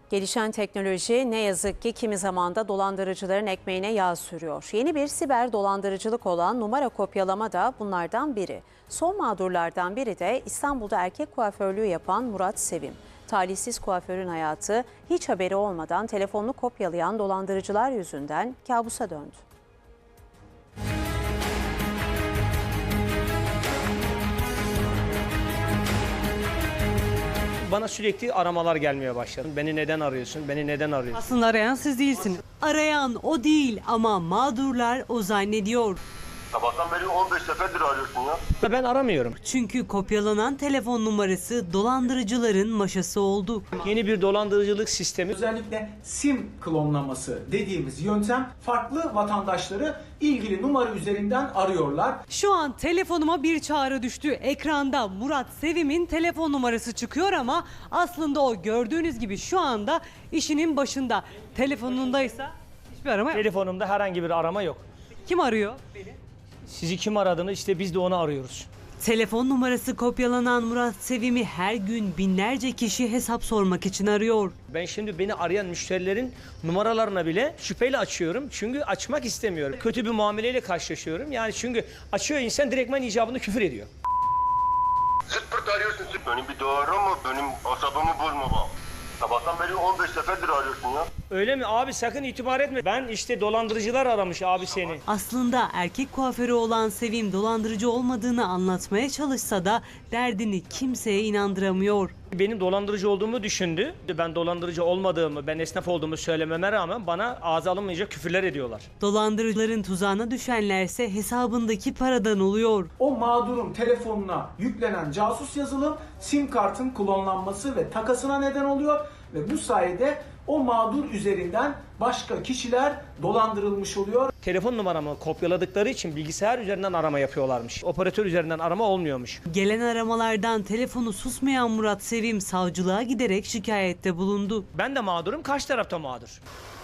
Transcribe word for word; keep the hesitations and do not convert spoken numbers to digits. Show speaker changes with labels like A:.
A: Gelişen teknoloji ne yazık ki kimi zaman da dolandırıcıların ekmeğine yağ sürüyor. Yeni bir siber dolandırıcılık olan numara kopyalama da bunlardan biri. Son mağdurlardan biri de İstanbul'da erkek kuaförlüğü yapan Murat Sevim. Talihsiz kuaförün hayatı hiç haberi olmadan telefonunu kopyalayan dolandırıcılar yüzünden kabusa döndü.
B: Bana sürekli aramalar gelmeye başladı. Beni neden arıyorsun? Beni neden arıyorsun?
C: Aslında arayan siz değilsiniz. Arayan o değil ama mağdurlar o zannediyor.
D: Sabahtan beri on beş seferdir arıyorsun ya.
B: Ben aramıyorum.
C: Çünkü kopyalanan telefon numarası dolandırıcıların maşası oldu.
B: Yeni bir dolandırıcılık sistemi.
E: Özellikle sim klonlaması dediğimiz yöntem farklı vatandaşları ilgili numara üzerinden arıyorlar.
C: Şu an telefonuma bir çağrı düştü. Ekranda Murat Sevim'in telefon numarası çıkıyor ama aslında o gördüğünüz gibi şu anda işinin başında. Telefonundaysa hiçbir arama yok.
B: Telefonumda herhangi bir arama yok.
C: Kim arıyor?
B: Sizi kim aradığını işte biz de onu arıyoruz.
C: Telefon numarası kopyalanan Murat Sevim'i her gün binlerce kişi hesap sormak için arıyor.
B: Ben şimdi beni arayan müşterilerin numaralarına bile şüpheyle açıyorum. Çünkü açmak istemiyorum. Kötü bir muameleyle karşılaşıyorum. Yani çünkü açıyor insan direktmen icabında küfür ediyor.
D: Zırt pırt arıyorsun. Zırt. Benim bir doğru mu? Benim asabımı bozma bak. Sabahtan beri on beş seferdir arıyorsun ya.
B: Öyle mi? Abi sakın itibar etme. Ben işte dolandırıcılar aramış abi seni.
C: Aslında erkek kuaförü olan Sevim dolandırıcı olmadığını anlatmaya çalışsa da derdini kimseye inandıramıyor.
B: Benim dolandırıcı olduğumu düşündü. Ben dolandırıcı olmadığımı, ben esnaf olduğumu söylememe rağmen bana ağza alınmayacak küfürler ediyorlar.
C: Dolandırıcıların tuzağına düşenlerse hesabındaki paradan oluyor.
E: O mağdurun telefonuna yüklenen casus yazılım sim kartın klonlanması ve takasına neden oluyor ve bu sayede o mağdur üzerinden başka kişiler dolandırılmış oluyor.
B: Telefon numaramı kopyaladıkları için bilgisayar üzerinden arama yapıyorlarmış. Operatör üzerinden arama olmuyormuş.
C: Gelen aramalardan telefonu susmayan Murat Sevim savcılığa giderek şikayette bulundu.
B: Ben de mağdurum, karşı tarafta mağdur.